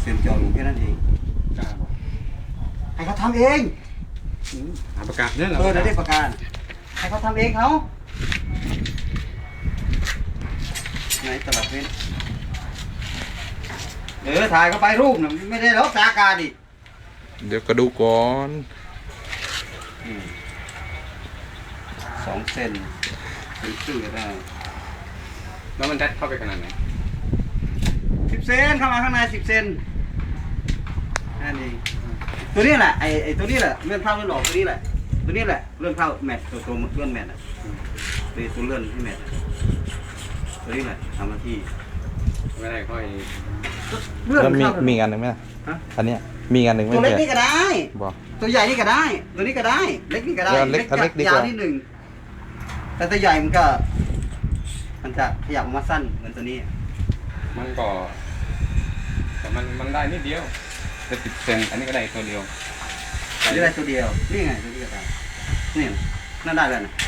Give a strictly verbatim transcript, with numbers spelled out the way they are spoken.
ซนเจาะรูแค่นั้นเองกล้าบอกให้เขาทำเองหาประกาศเนี่ยเหรอเออเดี๋ยวได้ประกันให้เขาทำเองเขาไหนตลับเพชรเออถ่ายเข้าไปรูปน่ะไม่ได้หรอกตากาดิเดี๋ยวก็ดูก่อนสองเซนเป็นชื่อก็ได้แล้วมันได้เข้าไปขนาดไหนสิบเซนเข้ามาข้างในสิบเซนนั่นเองตัวนี้แหละไอ้ไอ้ตัวนี้แหละเลื่อนเข้าเลื่อนออกตัวนี้แหละตัวนี้แหละเลื่อนเข้าแมทตัวตัวเลื่อนแมทอ่ะตัวตัวเลื่อนที่แมทตัวนี้แหละทำหน้าที่ไม่ได้ค่อยเลื่อนแล้วมีเข้ามีอีกอันหนึ่งไหมล่ะฮะอันเนี้ยมีอีกอันหนึ่งไหมตัวเล็กเพื่นี่ก็ได้บอกตัวใหญ่นี่ก็ได้ ตัวนี้ก็ได้ เล็กนี่ก็ได้เอาเล็กเอาเล็กดีกว่ายาวนิดหนึ่งแต่ตัวใหญ่มันก็ มันจะขยับออกมาสั้นเหมือนตัวนี้มันก็แต่มันมันได้นิดเดียวแต่สิบเซนอันนี้ก็ได้ตัวเดียวนี่ได้ตัวเดียว นี่ไงตัวนี้ก็ได้นี่น่าได้แล้วนะ